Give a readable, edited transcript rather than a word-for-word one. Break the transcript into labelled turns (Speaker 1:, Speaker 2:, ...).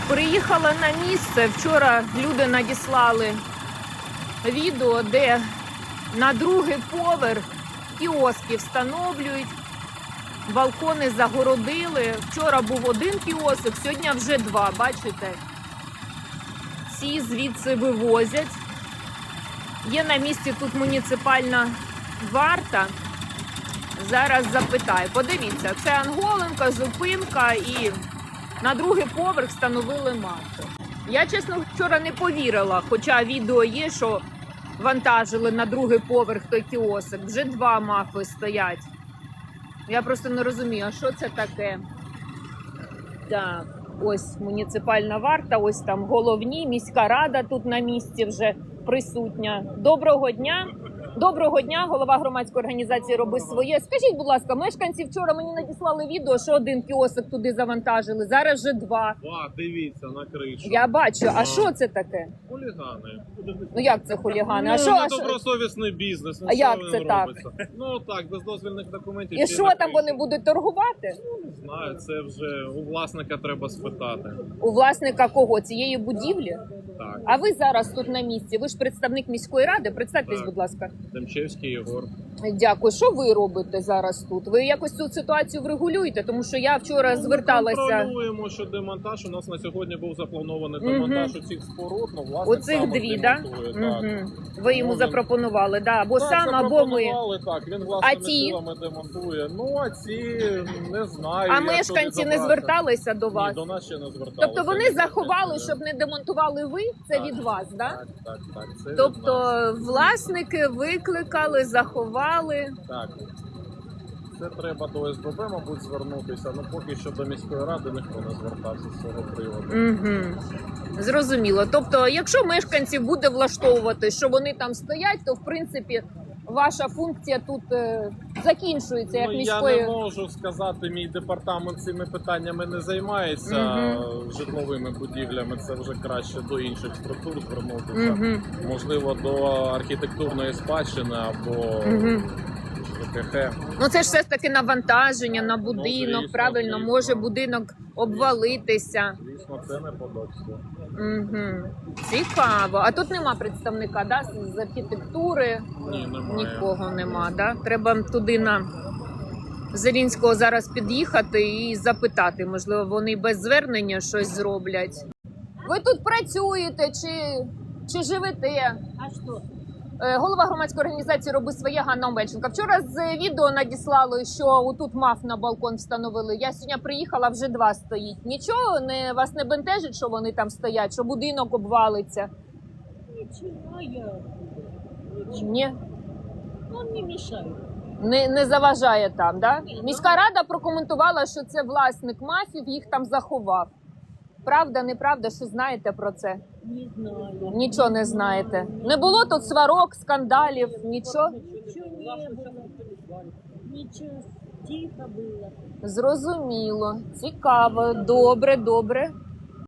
Speaker 1: Приїхала на місце. Вчора люди надіслали відео, де на другий поверх кіоски встановлюють, балкони загородили. Вчора був один кіосик, сьогодні вже два, бачите? Ці звідси вивозять. Є на місці тут муніципальна варта. Зараз запитаю. Подивіться, це Анголенка, зупинка і на другий поверх встановили мафи. Я, чесно, вчора не повірила, хоча відео є, що вантажили на другий поверх той кіосик. Вже два мафи стоять. Я просто не розумію, а що це таке? Так, ось муніципальна варта, ось там головні, міська рада тут на місці вже присутня. Доброго дня! Доброго дня, голова громадської організації «Роби своє». Скажіть, будь ласка, мешканці вчора мені надіслали відео, що один кіосик туди завантажили, зараз вже два.
Speaker 2: Дивіться на кришу.
Speaker 1: Я бачу, а що це таке?
Speaker 2: Хулігани.
Speaker 1: Ну як це хулігани? А що?
Speaker 2: Добросовісний бізнес.
Speaker 1: А як це так?
Speaker 2: Ну так, без дозвільних документів.
Speaker 1: І що там вони будуть торгувати?
Speaker 2: Не знаю, це вже у власника треба спитати.
Speaker 1: У власника кого? Цієї будівлі?
Speaker 2: Так.
Speaker 1: А ви зараз тут на місці, ви ж представник міської ради, представтесь,
Speaker 2: Так.
Speaker 1: будь ласка.
Speaker 2: Демчевський Єгор.
Speaker 1: Дякую. Що ви робите зараз тут? Ви якось цю ситуацію врегулюєте? Тому що я вчора зверталася.
Speaker 2: Ми контролюємо, що демонтаж. У нас на сьогодні був запланований демонтаж у цих споруд. Ну, власник
Speaker 1: Оцих
Speaker 2: сам
Speaker 1: дві, так?
Speaker 2: демонтує, так?
Speaker 1: Ви йому
Speaker 2: Ну,
Speaker 1: запропонували, да? Або
Speaker 2: Так,
Speaker 1: сам, або ми.
Speaker 2: запропонували, так, він
Speaker 1: А
Speaker 2: власними
Speaker 1: ті?
Speaker 2: силами демонтує. Ну, а ці, не знаю.
Speaker 1: А
Speaker 2: як
Speaker 1: мешканці
Speaker 2: туди
Speaker 1: не
Speaker 2: добратися.
Speaker 1: зверталися до вас?
Speaker 2: Ні, до нас ще не зверталися.
Speaker 1: Тобто вони заховали,
Speaker 2: Ні.
Speaker 1: щоб не демонтували ви? Це
Speaker 2: Так.
Speaker 1: від вас, да?
Speaker 2: Так, це від
Speaker 1: Тобто
Speaker 2: нас.
Speaker 1: власники викликали, заховали.
Speaker 2: Так. Це треба до СББ, мабуть, звернутися, але поки що до міської ради ніхто не звертався з цього приводу.
Speaker 1: Угу. Зрозуміло. Тобто, якщо мешканців буде влаштовувати, що вони там стоять, то в принципі ваша функція тут закінчується як міської.
Speaker 2: Я не можу сказати, мій департамент цими питаннями не займається, житловими будівлями, це вже краще до інших структур звернутися. Можливо, до архітектурної спадщини або ЖКХ.
Speaker 1: Ну це ж все ж таки навантаження на будинок,
Speaker 2: звісно,
Speaker 1: правильно,
Speaker 2: звісно.
Speaker 1: може будинок обвалитися.
Speaker 2: Звісно, це не подобається.
Speaker 1: Цікаво. А тут нема представника, да, з архітектури?
Speaker 2: Ні, немає.
Speaker 1: Нікого нема, да? Треба туди на Зелінського зараз під'їхати і запитати, можливо, вони без звернення щось зроблять. Ви тут працюєте чи живете?
Speaker 3: А что?
Speaker 1: Голова громадської організації «Роби своє» Ганна Омельченко. Вчора з відео надіслали, що тут маф на балкон встановили. Я сьогодні приїхала, вже два стоїть. Нічого вас не бентежить, що вони там стоять, що будинок обвалиться?
Speaker 3: Ничего я.
Speaker 1: Ні?
Speaker 3: Он не мешает.
Speaker 1: Не заважає там, да?
Speaker 3: Ні,
Speaker 1: Міська рада прокоментувала, що це власник мафів, їх там заховав. Правда, неправда, що знаєте про це?
Speaker 3: Не знаю.
Speaker 1: Нічого не знаєте. Не було тут сварок, скандалів, нічого?
Speaker 3: Ничего не было. Ничего. Тихо было.
Speaker 1: Зрозуміло. Цікаво. Добре, добре.